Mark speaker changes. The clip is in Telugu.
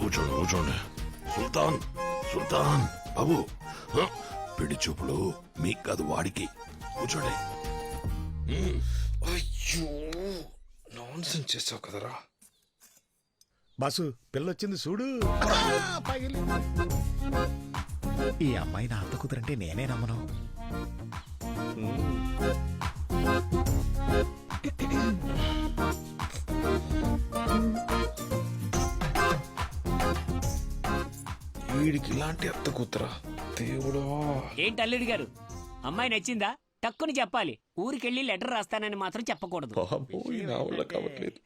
Speaker 1: కూర్చోండి కూర్చోండి. సుల్తాన్ సుల్తాన్ బాబు, పిడి చూపులు మీకు కాదు వాడికి. కూర్చోండి.
Speaker 2: అయ్యో నాన్సెన్స్ చేసావు కదరా.
Speaker 3: బాసు పిల్లొచ్చింది చూడు. ఈ అమ్మాయి నా అత్త కుదరంటే నేనే నమ్మను.
Speaker 2: వీడికి ఇలాంటి అత్త కూతురా దేవుడా.
Speaker 4: ఏంటి అల్లుడు గారు, అమ్మాయి నచ్చిందా? టక్కుని చెప్పాలి. ఊరికెళ్ళి లెటర్ రాస్తానని మాత్రం చెప్పకూడదు.
Speaker 2: బాబోయ్ నా వల్ల కావట్లేదు.